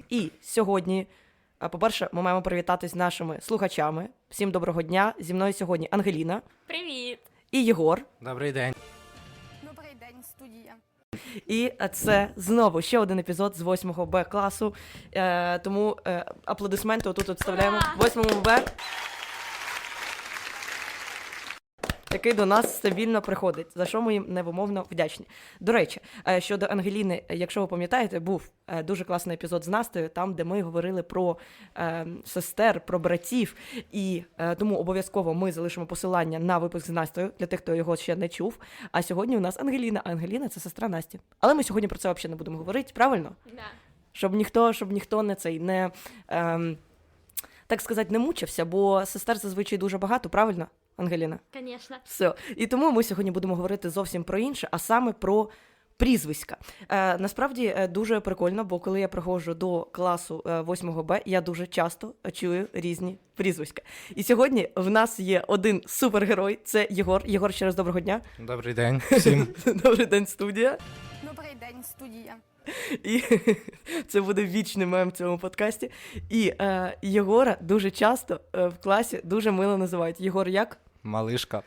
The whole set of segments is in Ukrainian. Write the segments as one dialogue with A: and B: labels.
A: І сьогодні, по-перше, ми маємо привітатись з нашими слухачами. Всім доброго дня. Зі мною сьогодні Ангеліна.
B: Привіт!
A: І Єгор.
C: Добрий день.
B: Добрий день, студія.
A: І це знову ще один епізод з 8 Б класу. Тому аплодисменти отут вставляємо. 8 Б, який до нас стабільно приходить, за що ми їм невимовно вдячні. До речі, щодо Ангеліни, якщо ви пам'ятаєте, був дуже класний епізод з Настею, там, де ми говорили про сестер, про братів, і тому обов'язково ми залишимо посилання на випуск з Настею, для тих, хто його ще не чув. А сьогодні у нас Ангеліна, а Ангеліна – це сестра Насті. Але ми сьогодні про це взагалі не будемо говорити, правильно?
B: Да.
A: Щоб ніхто не так сказати, не мучився, бо сестер зазвичай дуже багато, правильно, Ангеліна?
B: Конечно.
A: Все. І тому ми сьогодні будемо говорити зовсім про інше, а саме про прізвиська. Насправді дуже прикольно, бо коли я приходжу до класу 8 Б, я дуже часто чую різні прізвиська. І сьогодні в нас є один супергерой, це Єгор. Єгор, ще раз доброго дня.
C: Добрий день всім.
A: Добрий день, студія.
B: Добрий день, студія.
A: І це буде вічний мем в цьому подкасті. І Єгора дуже часто в класі дуже мило називають. Єгор як?
C: Малишка.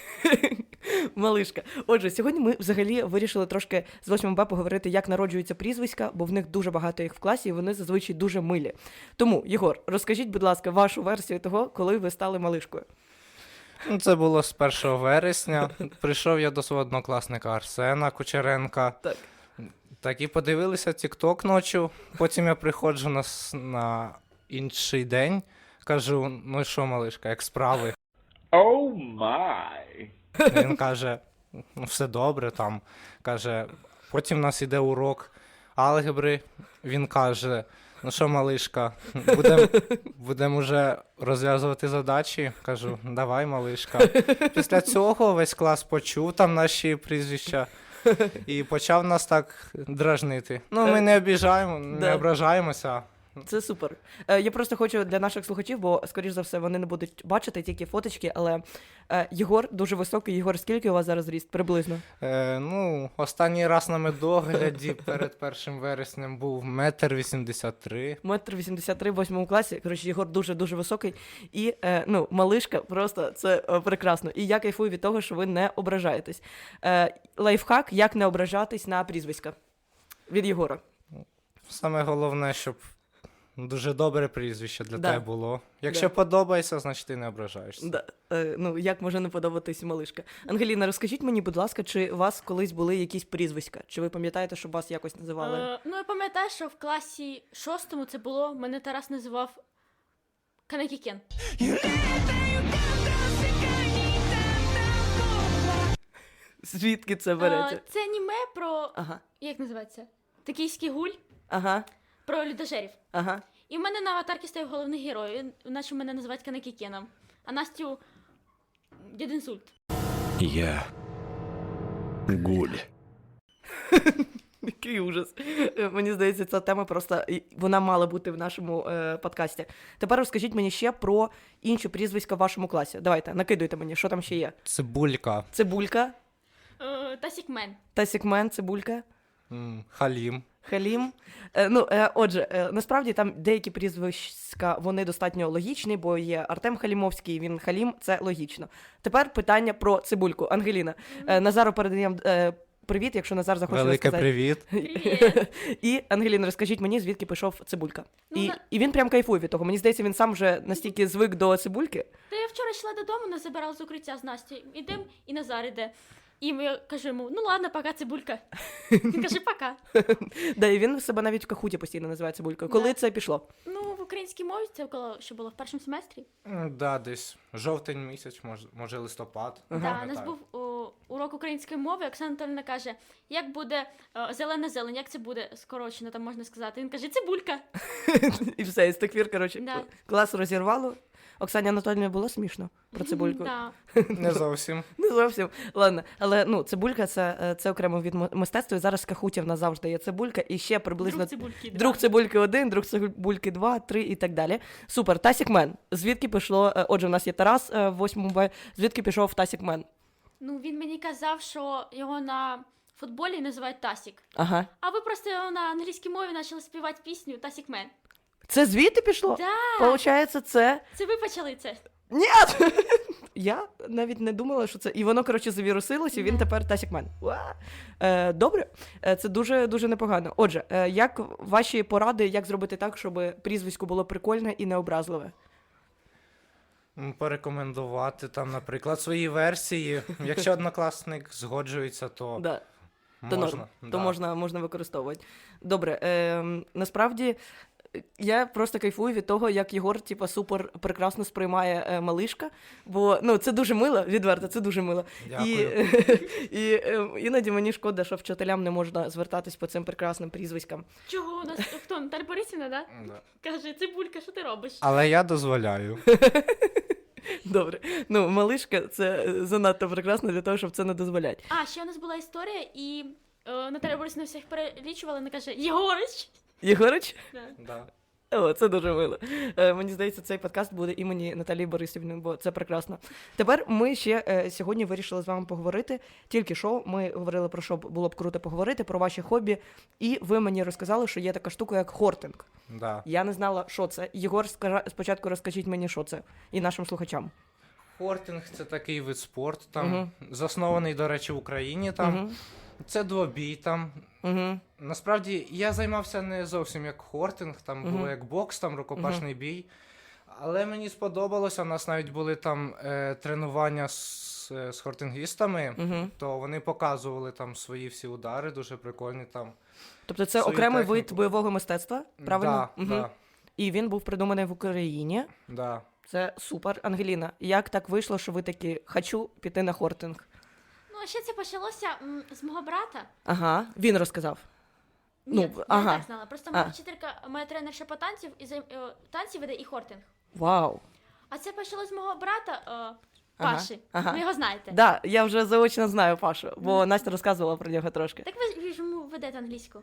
A: Малишка. Отже, сьогодні ми взагалі вирішили трошки з 8 Б поговорити, як народжуються прізвиська, бо в них дуже багато їх в класі, і вони зазвичай дуже милі. Тому, Єгор, розкажіть, будь ласка, вашу версію того, коли ви стали малишкою.
C: Це було з 1 вересня. Прийшов я до свого однокласника Арсена Кучеренка.
A: Так.
C: Так і подивилися TikTok ночі. Потім я приходжу на інший день. Кажу, ну що, малишка, як справи?
D: Oh my.
C: Він каже, ну все добре там. Каже, потім в нас іде урок алгебри. Він каже, ну що, малишка, будемо вже розв'язувати задачі. Кажу, давай, малишка. Після цього весь клас почув там наші прізвища і почав нас так дражнити. Ну, ми не обіжаємо, не ображаємося.
A: Це супер. Я просто хочу для наших слухачів, бо, скоріш за все, вони не будуть бачити тільки фоточки, але Єгор дуже високий. Єгор, скільки у вас зараз ріст? Приблизно?
C: Ну, останній раз на медогляді перед 1 вереснем був 1,83 м.
A: 1,83 м в 8 класі. Коротше, Єгор дуже-дуже високий. І, малишка, просто це прекрасно. І я кайфую від того, що ви не ображаєтесь. Лайфхак, як не ображатись на прізвиська. Від Єгора.
C: Саме головне, щоб дуже добре прізвище для
A: Да.
C: тебе було. Якщо подобається, значить ти не ображаєшся.
A: Да. Як може не подобатись малишка? Ангеліна, розкажіть мені, будь ласка, чи у вас колись були якісь прізвиська? Чи ви пам'ятаєте, що вас якось називали?
B: Я пам'ятаю, що в класі 6 це було, мене Тарас називав Канекікен.
A: Звідки це береться?
B: Це аніме про,
A: Ага,
B: як називається? Токійський гуль,
A: ага,
B: про людожерів.
A: ага.
B: І в мене на аватарці стояв головний герой, наче мене називають Канекікеном. А Настю Дідінсульт.
E: Я гуль.
A: Який ужас. Мені здається, ця тема просто, вона мала бути в нашому подкасті. Тепер розкажіть мені ще про інші прізвиська в вашому класі. Давайте, накидуйте мені, що там ще є.
C: Цибулька,
A: Цибулька,
B: Тасікмен.
A: Тасікмен, Цибулька,
C: Халім.
A: Халім. Отже, насправді там деякі прізвиська, вони достатньо логічні, бо є Артем Халімовський, він Халім, це логічно. Тепер питання про Цибульку. Ангеліна, Назару передаємо привіт, якщо Назар захоче
C: Велике
A: розказати.
C: привіт.
B: Привіт.
A: І, Ангеліна, розкажіть мені, звідки пішов Цибулька.
B: Ну,
A: І він прям кайфує від того. Мені здається, він сам вже настільки звик до Цибульки.
B: Та я вчора йшла додому, нас забирала з укриття з Настю. Ідем, і Назар іде. І я кажу йому, ну ладно, пока, Цибулька. Він каже, пока.
A: Да, і він себе навіть в Кахуті постійно називає Цибулькою. Коли
B: Да.
A: це пішло?
B: Ну, в українській мові це коли що було в першому семестрі.
C: Да, десь жовтень місяць, може листопад.
B: Да, у нас був урок української мови. Оксана Анатольевна каже, як буде зелена зелень, як це буде скорочено, там можна сказати. Він каже, цибулька.
A: І все, і з тих пір, коротше,
B: Да.
A: клас розірвало. Оксані Анатольовні було смішно про Цибульку?
B: Да.
C: Не зовсім.
A: Не зовсім. Ладно, але Цибулька це окремо від мистецтва. І зараз в Кахуті в нас завжди є Цибулька. І ще приблизно
B: Друг цибульки. Да.
A: друг Цибульки 1, друг Цибульки 2, 3 і так далі. Супер. Тасікмен. Звідки пішло? Отже, в нас є Тарас в 8 Б. Звідки пішов Тасікмен?
B: Ну, він мені казав, що його на футболі називають Тасік.
A: Ага.
B: А ви просто на англійській мові почали співати пісню Тасік Мен.
A: Це звідти пішло?
B: Да,
A: Получається, це.
B: це ви почали це.
A: Ні! Я навіть не думала, що це. І воно, коротше, завірусилось, і він тепер Тасікмен. Добре, це дуже непогано. Отже, як ваші поради, як зробити так, щоб прізвисько було прикольне і необразливе?
C: Порекомендувати там, наприклад, свої версії. Якщо однокласник згоджується, то
A: Да. То
C: можна.
A: норм,
C: Да.
A: то можна використовувати. Добре, насправді я просто кайфую від того, як Єгор, типа, супер прекрасно сприймає малишка, бо ну, це дуже мило, відверто, це дуже мило.
C: Дякую.
A: І іноді мені шкода, що вчителям не можна звертатись по цим прекрасним прізвиськам.
B: Чого у нас хто? Наталя Борисівна, да?
C: Да.
B: Каже, Цибулька, що ти робиш?
C: Але я дозволяю.
A: Добре. Ну, малишка це занадто прекрасно для того, щоб це не дозволяти.
B: А, ще у нас була історія, і Наталя Борисівна всіх перелічувала, вона каже, Єгорич!
A: Єгорич?
B: Да.
C: Да.
A: О, це дуже мило. Мені здається, цей подкаст буде імені Наталії Борисівни, бо це прекрасно. Тепер ми ще сьогодні вирішили з вами поговорити. Тільки що ми говорили про що було б круто поговорити, про ваші хобі. І ви мені розказали, що є така штука, як хортинг.
C: Да.
A: Я не знала, що це. Єгор, спочатку розкажіть мені, що це, і нашим слухачам.
C: Хортинг це такий вид спорту, там заснований, до речі, в Україні. Там це двобій. Там
A: Угу.
C: насправді я займався не зовсім як хортинг, там було як бокс, там рукопашний бій. Але мені сподобалося. У нас навіть були там тренування з хортингістами, то вони показували там свої всі удари, дуже прикольні там.
A: Тобто це
C: Свою
A: окремий
C: техніку.
A: вид бойового мистецтва, правильно?
C: Да, да,
A: І він був придуманий в Україні.
C: да.
A: Це супер. Ангеліна, як так вийшло, що ви такі «хочу піти на хортинг»?
B: Ну, а ще це почалося з мого брата.
A: Ага, він розказав.
B: Ні,
A: Ну,
B: я
A: ага.
B: так знала. Просто моя вчителька, моя тренерша по танців, і танці веде і хортинг.
A: Вау.
B: А це почалось з мого брата
A: Ага,
B: Паші.
A: ага.
B: Ви його знаєте.
A: Да, я вже заочно знаю Пашу, бо Настя розказувала про нього трошки.
B: Так ви ж йому ведете англійську.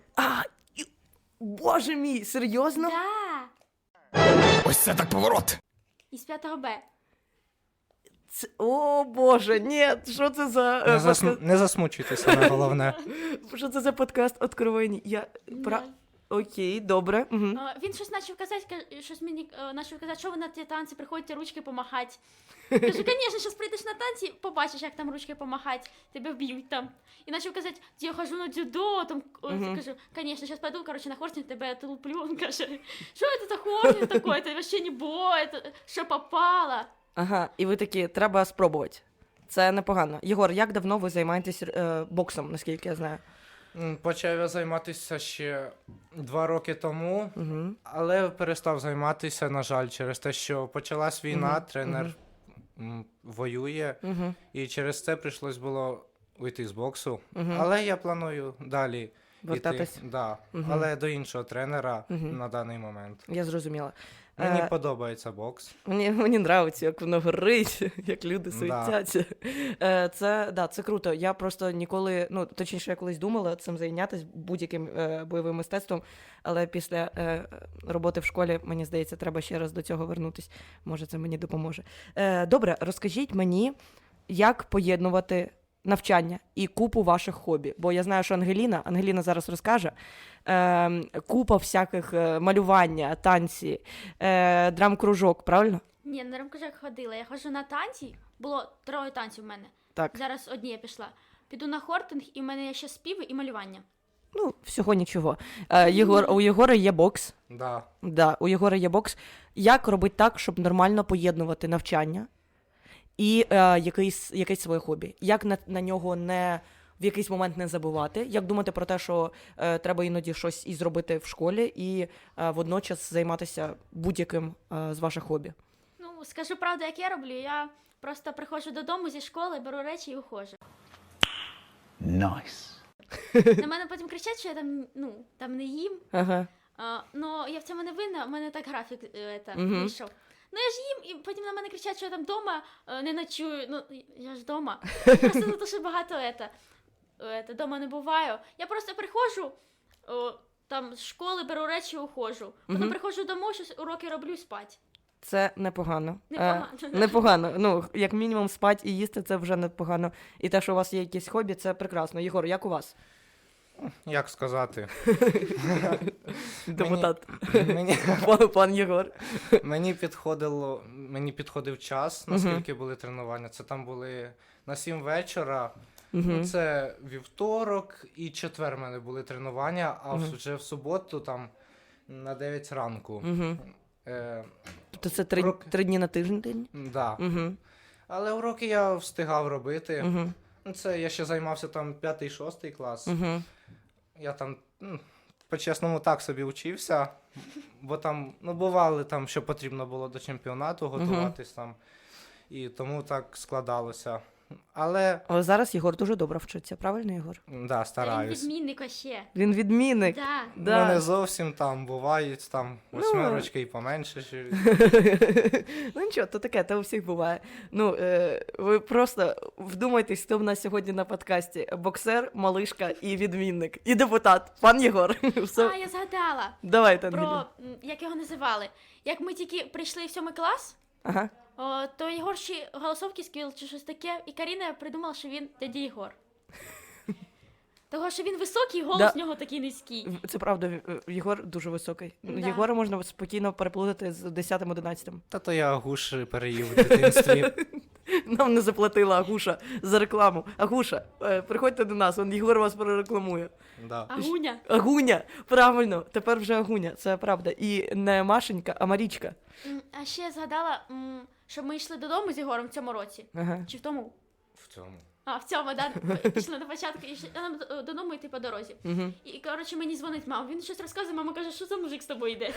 A: Боже мій, серйозно?
B: Да.
E: Ось це так поворот!
B: Із 5 Б.
A: О, Боже, ні, що це за
C: Не засмучуйтеся, саме головне.
A: що це за подкаст «Откровені»? Окей, добре. Угу.
B: Він щось почав казати, щось мені почав казати, що ви на ті танці приходите ручки помахати. Кажу, звісно, зараз прийдеш на танці, побачиш, як там ручки помахати, тебе вб'ють там. І почав казати, я хожу на дзюдо, там, кажу, звісно, зараз пойду, короче, на хортинг, тебе отлуплю. Він каже, що це за хортинг такой, це вообще не бой, це що попало.
A: Ага, і ви такі, треба спробувати. Це непогано. Єгор, як давно ви займаєтесь боксом, наскільки я знаю?
C: Почав я займатися ще 2 роки тому, але перестав займатися, на жаль, через те, що почалась війна, тренер воює, і через це прийшлось було уйти з боксу. Але я планую далі
A: Вертатись?
C: йти. Да. Але до іншого тренера на даний момент.
A: Я зрозуміла.
C: Мені подобається бокс.
A: Мені подобається, як воно горить, як люди суетяться. Це круто. Я просто ніколи, ну, точніше, я колись думала цим зайнятися будь-яким бойовим мистецтвом, але після роботи в школі, мені здається, треба ще раз до цього вернутися. Може, це мені допоможе. Добре, розкажіть мені, як поєднувати навчання і купу ваших хобі. Бо я знаю, що Ангеліна зараз розкаже, купа всяких малювання, танці, драм-кружок, правильно?
B: Ні, на рамкажах ходила. Я ходжу на танці. Було 3 танців в мене.
A: Так.
B: Зараз одні я пішла. Піду на хортинг, і в мене є ще співи і малювання.
A: Ну, всього нічого. У Єгора є бокс.
C: Да.
A: Да, у Єгора є бокс. Як робити так, щоб нормально поєднувати навчання і якесь своє хобі? Як на нього в якийсь момент не забувати? Як думати про те, що треба іноді щось і зробити в школі, і водночас займатися будь-яким з ваших хобі?
B: Ну, скажу правду, як я роблю. Я просто приходжу додому зі школи, беру речі і уходжу.
E: Найс.
B: На мене потім кричать, що я там не їм.
A: Ага.
B: Ну, я в цьому не винна, у мене так графік вийшов. Ну, я ж їм, і потім на мене кричать, що я там вдома не ночую. Ну, я ж вдома. Просто за те, що багато дома не буваю. Я просто приходжу, там з школи беру речі і уходжу. Потім приходжу дому, щось уроки роблю і спать.
A: Це непогано.
B: Непогано.
A: Непогано. Ну, як мінімум, спать і їсти це вже непогано. І те, що у вас є якісь хобі, це прекрасно. Єгор, як у вас?
C: Як сказати?
A: Депутат.
C: Мені,
A: Пан Єгор.
C: мені підходив час, наскільки були тренування. Це там були на 7 вечора. Ну, це вівторок і четвер в мене були тренування, а вже в суботу там на 9 ранку.
A: Тобто це 3 дні на тиждень?
C: Да.
A: Угу.
C: Але уроки я встигав робити.
A: Угу.
C: Ну, це я ще займався там 5-6 клас.
A: Угу.
C: Я там, по-чесному, так собі вчився, бо там, бували там, що потрібно було до чемпіонату готуватись там, і тому так складалося. Але,
A: Але зараз Єгор дуже добре вчиться, правильно, Єгор?
C: да,
B: Він
C: стараюсь.
B: відмінник вообще.
A: Він відмінник.
B: Да.
A: Да.
C: Ну, не зовсім там, бувають там 8 і поменше.
A: Ну нічого, то таке, то у всіх буває. Ну, ви просто вдумайтесь, хто в нас сьогодні на подкасті. Боксер, малишка і відмінник. І депутат. Пан Єгор. Все.
B: А, я згадала
A: Давайте, Ангеліна.
B: про, як його називали. Як ми тільки прийшли в 7 клас,
A: Ага.
B: то Єгор ще голосовки сквіл чи щось таке, і Каріна придумала, що він дядя Єгор. Того, що він високий, голос
A: Да.
B: в нього такий низький.
A: Це правда, Єгор дуже високий.
B: Да.
A: Єгора можна спокійно переплутати з 10-11.
C: Та то я гуш переїв в дитинстві.
A: Нам не заплатила Агуша за рекламу. Агуша, приходьте до нас, он Єгор вас перерекламує.
C: Да.
B: Агуня.
A: Агуня, правильно, тепер вже Агуня, це правда. І не Машенька, а Марічка.
B: А ще я згадала, що ми йшли додому з Єгором в цьому році.
A: Ага.
B: Чи в тому?
C: В цьому.
B: А, в цьому, да? Пішли на початку і нам додому йти по дорозі.
A: Угу.
B: І, коротше, мені дзвонить мама. Він щось розказує, мама каже, що за мужик з тобою йде?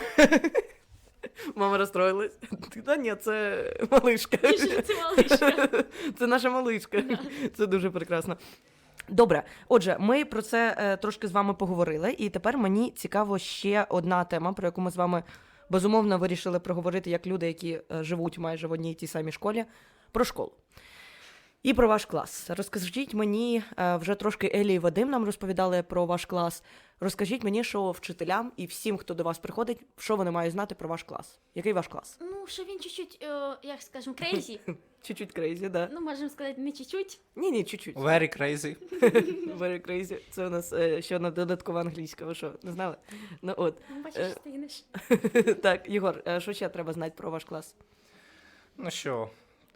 A: Мама розстроїлась. Та ні, це малишка.
B: І що це малишка.
A: Це наша малишка. Це дуже прекрасно. Добре, отже, ми про це трошки з вами поговорили, і тепер мені цікаво ще одна тема, про яку ми з вами безумовно вирішили проговорити як люди, які живуть майже в одній і тій самій школі, про школу. І про ваш клас. Розкажіть мені, вже трошки Елі і Вадим нам розповідали про ваш клас. Розкажіть мені, що вчителям і всім, хто до вас приходить, що вони мають знати про ваш клас. Який ваш клас?
B: Ну, що він чуть-чуть, як скажемо, крейзі.
A: Чуть-чуть крейзі, да?
B: Ну, можемо сказати, не чуть-чуть.
A: Ні, чуть-чуть.
C: Very crazy.
A: Very crazy. Це у нас ще одна додаткова англійська. Ви що, не знали? Ну от.
B: Ну, бачиш, стигнеш.
A: Так, Єгор, що ще треба знати про ваш клас?
C: Ну що,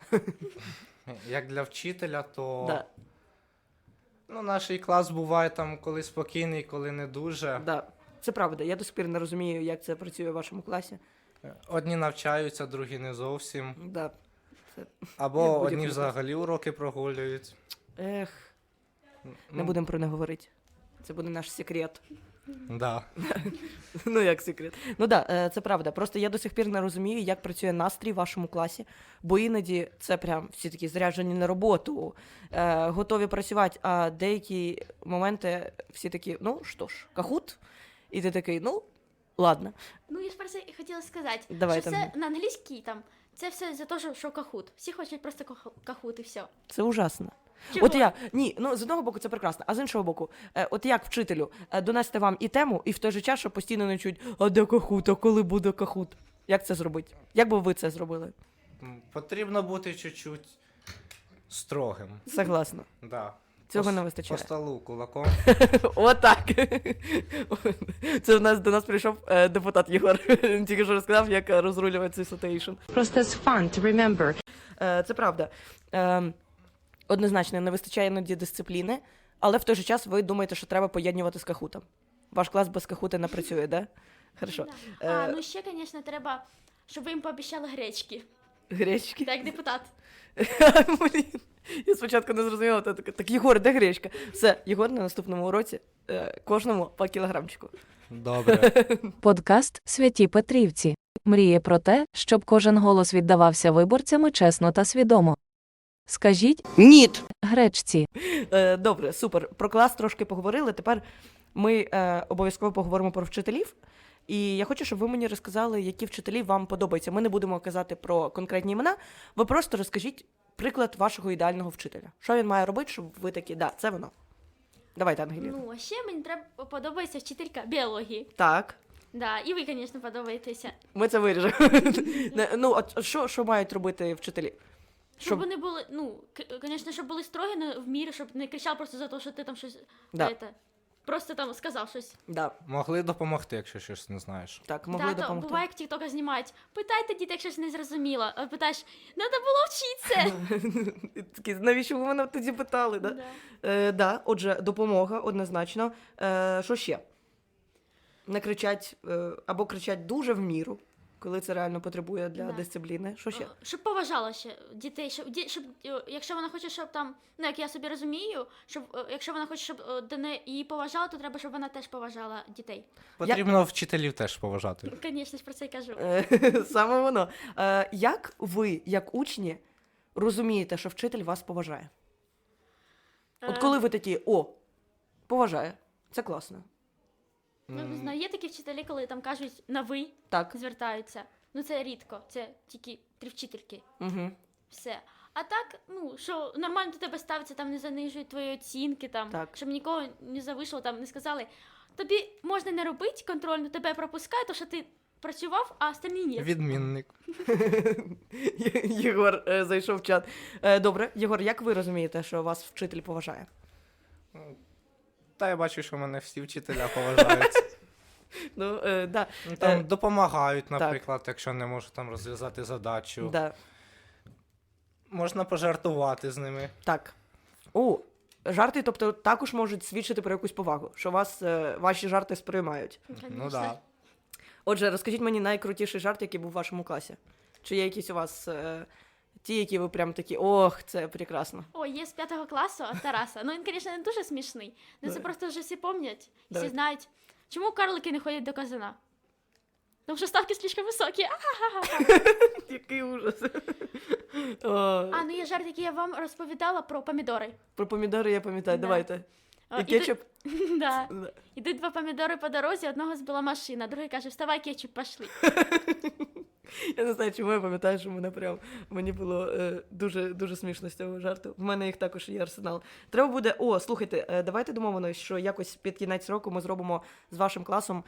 C: як для вчителя, то
A: Да,
C: наш клас буває там коли спокійний, коли не дуже.
A: да. Це правда. Я до сих пір не розумію, як це працює в вашому класі.
C: Одні навчаються, другі не зовсім.
A: Да. Це...
C: Або
A: Як
C: одні
A: будь-який
C: взагалі уроки прогулюють.
A: Ех, не
C: Ну,
A: будемо про не говорити. Це буде наш секрет.
C: Да.
A: Ну, як секрет. Ну да, це правда. Просто я до сих пір не розумію, як працює настрій в вашому класі, бо іноді це прям всі такі заряджені на роботу, готові працювати, а деякі моменти всі такі, ну що ж, кахут? І ти такий, ну, ладно.
B: Ну, я ж про це і хотіла сказати,
A: Давай
B: що
A: там.
B: все на англійській там, це все за те, що кахут. Всі хочуть просто кахут і все.
A: Це ужасно.
B: Чого?
A: От ні, ну з одного боку це прекрасно, а з іншого боку, от як вчителю донести вам і тему, і в той же час, щоб постійно не чуть, а де кахут, а коли буде кахут? Як це зробити? Як би ви це зробили?
C: Потрібно бути чуть-чуть строгим.
A: Согласна.
C: Да.
A: Цього не
C: По
A: вистачає.
C: столу кулаком.
A: Отак. Це до нас прийшов депутат Єгор. Він тільки що розказав, як розрулювати цей ситуейшн.
F: Просто it's fun to remember.
A: Це правда. Однозначно, не вистачає іноді дисципліни, але в той же час ви думаєте, що треба поєднувати з кахутом. Ваш клас без кахута не працює, да? Хорошо.
B: А, ну ще, звісно, треба, щоб ви їм пообіцяли гречки.
A: Гречки.
B: Так, депутат.
A: Блін. Я спочатку не зрозуміла, то така, так, Єгор, де гречка? Все, Єгор на наступному уроці кожному по кілограмчику.
C: Добре.
F: Подкаст «Святі Петрівці» мріє про те, щоб кожен голос віддавався виборцями чесно та свідомо. Скажіть
A: Ніт!
F: гречці.
A: Добре, супер. Про клас трошки поговорили. Тепер ми обов'язково поговоримо про вчителів. І я хочу, щоб ви мені розказали, які вчителі вам подобаються. Ми не будемо казати про конкретні імена. Ви просто розкажіть приклад вашого ідеального вчителя. Що він має робити, щоб ви такі, да, це воно. Давайте, Ангеліна.
B: Ну, а ще мені подобається вчителька біології.
A: Так.
B: Да, і ви, звісно, подобаєтеся.
A: Ми це виріжемо. Ну, от що мають робити вчителі?
B: Щоб вони були, ну, звісно, щоб були строгі, але в мірі, щоб не кричав просто за те, що ти там щось,
A: Да.
B: просто там сказав щось.
A: Да,
C: Могли допомогти, якщо щось не знаєш.
A: так, могли
B: Да, то
A: допомогти.
B: буває, як тіктока знімають. Питайте дітей, якщо щось не зрозуміло. А питаєш, треба було вчитися.
A: Такі, навіщо ви мене тоді питали, да?
B: Да.
A: Да, отже, допомога однозначно. Що ще? Не кричать або кричать дуже в міру, коли це реально потребує для
B: Да.
A: дисципліни. Що ще?
B: Щоб поважала ще дітей, щоб якщо вона хоче, щоб там, ну як я собі розумію, щоб якщо вона хоче, щоб до неї її поважали, то треба, щоб вона теж поважала дітей.
C: Потрібно вчителів теж поважати.
B: Звісно ж, про це й кажу.
A: Саме воно. Як ви, як учні, розумієте, що вчитель вас поважає? От коли ви такі, поважає, це класно.
B: Ну, не знаю, є такі вчителі, коли там кажуть на ви
A: Так.
B: звертаються. Ну це рідко, це тільки при вчительки.
A: Угу.
B: Все. А так, ну, що нормально до тебе ставиться, там не занижують твої оцінки, там,
A: Так.
B: щоб нікого не завишло, там не сказали, тобі можна не робити контрольну, тебе пропускають, то що ти працював, а остальні ні.
C: Відмінник.
A: Єгор зайшов в чат. Добре, Єгор, як ви розумієте, що вас вчитель поважає?
C: Та я бачу, що мене всі вчителя поважають.
A: Ну, да.
C: Ну, там допомагають, наприклад, якщо не можу там розв'язати задачу.
A: Да.
C: Можна пожартувати з ними.
A: Так. Жарти, тобто, також можуть свідчити про якусь повагу, що ваші жарти сприймають.
C: Ну
B: Конечно.
C: да.
A: Отже, розкажіть мені найкрутіший жарт, який був у вашому класі. Чи є якісь у вас ті, які ви прям такі, це прекрасно.
B: О, є з 5 класу Тараса. Ну він, звісно, не дуже смішний. Ну це
A: Давай.
B: просто вже всі пам'ятають,
A: Давай.
B: всі знають. Чому карлики не ходять до казана? Тому що ставки слишком високі.
A: Який ужас.
B: А, ну є жарт, який я вам розповідала про помідори.
A: Про помідори я пам'ятаю,
B: Да.
A: давайте. І
B: Ідуть-
A: кетчуп?
B: Да.
A: Да.
B: Ідуть 2 помідори по дорозі, одного збила машина, другий каже, вставай, кетчуп, пошли.
A: Я не знаю, чому я пам'ятаю, що мені було дуже, дуже смішно з цього жарту. В мене їх також є арсенал. Треба буде, слухайте, давайте домовимось, що якось під кінець року ми зробимо з вашим класом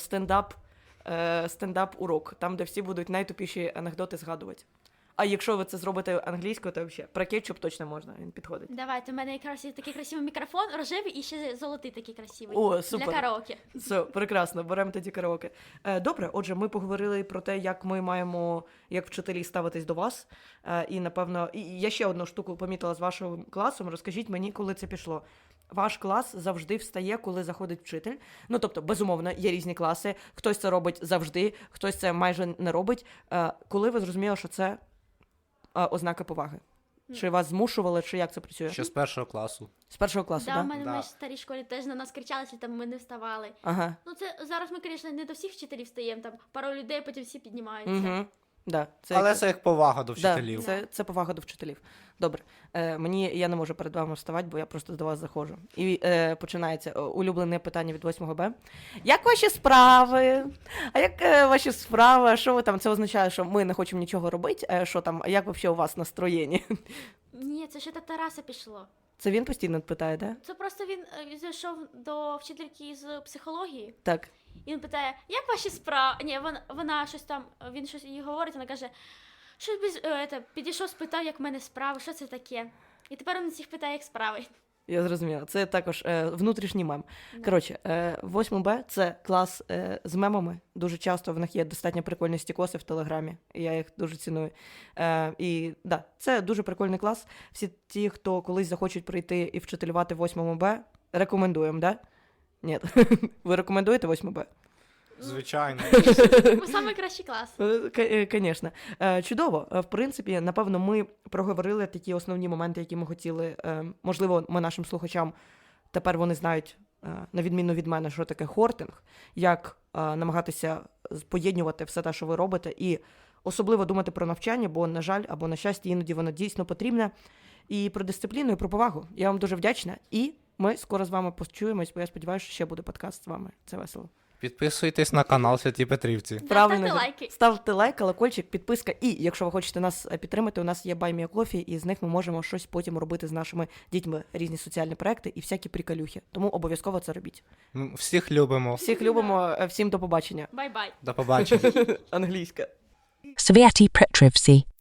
A: стендап-урок, там, де всі будуть найтупіші анекдоти згадувати. А якщо ви це зробите англійською, то взагалі про кетчуп точно можна, він підходить.
B: Давайте, у мене якраз є такий красивий мікрофон, рожевий і ще золотий такий красивий.
A: О, супер.
B: Для караоке.
A: Все, прекрасно, беремо тоді караоке. Добре, отже, ми поговорили про те, як ми маємо, як вчителі ставитись до вас. І, напевно, я ще одну штуку помітила з вашим класом. Розкажіть мені, коли це пішло. Ваш клас завжди встає, коли заходить вчитель. Ну, тобто, безумовно, є різні класи. Хтось це робить завжди, хтось це майже не робить. Коли ви зрозуміли, що це ознака поваги? Чи вас змушували, чи як це працює?
C: Ще з 1 класу.
A: З 1 класу,
B: Да,
A: так?
B: у мене
C: Да.
B: в старій школі теж на нас кричали, що там ми не вставали.
A: Ага.
B: Ну це зараз ми, звісно, не до всіх вчителів стаємо, там пару людей, потім всі піднімаються.
A: Угу. Да,
C: Але це як повага до
A: Да,
C: вчителів.
A: це повага до вчителів. Добре. Я не можу перед вами вставати, бо я просто до вас заходжу. І починається улюблене питання від 8 Б. Як ваші справи? А як ваші справи? Що ви там? Це означає, що ми не хочемо нічого робити? Що там? Як взагалі у вас настроєння?
B: Ні, це ще до Тараса пішло.
A: Це він постійно питає, да?
B: Це просто він зайшов до вчительки з психології,
A: Так.
B: і він питає, як ваші справи? Ні, вона щось там, він щось їй говорить, вона каже, що підійшов, спитав, як в мене справи, що це таке? І тепер він всіх питає, як справи.
A: Я зрозуміла. Це також внутрішній мем. Коротше, 8 Б – це клас з мемами. Дуже часто в них є достатньо прикольні стікоси в Телеграмі. І я їх дуже ціную. І да, це дуже прикольний клас. Всі ті, хто колись захочуть прийти і вчителювати 8 Б, рекомендуємо, да? Ні. Ви рекомендуєте 8 Б?
C: Звичайно.
B: Ми самий кращий клас.
A: Звісно. Чудово. В принципі, напевно, ми проговорили такі основні моменти, які ми хотіли. Можливо, ми нашим слухачам тепер вони знають, на відміну від мене, що таке хортинг, як намагатися поєднувати все те, що ви робите, і особливо думати про навчання, бо, на жаль, або на щастя, іноді воно дійсно потрібне. І про дисципліну, і про повагу. Я вам дуже вдячна. І ми скоро з вами почуємось, бо я сподіваюся, що ще буде подкаст з вами. Це весело.
C: Підписуйтесь на канал Святі Петрівці.
A: Правильно.
B: Ставте лайки.
A: Ставте лайк, колокольчик, підписка. І якщо ви хочете нас підтримати, у нас є Buy Me a Coffee, і з них ми можемо щось потім робити з нашими дітьми, різні соціальні проекти і всякі приколюхи. Тому обов'язково це робіть.
C: Всіх любимо.
A: Всіх любимо, всім до побачення.
B: Бай-бай.
C: До побачення.
A: Англійська.
G: Sviati Petrivci.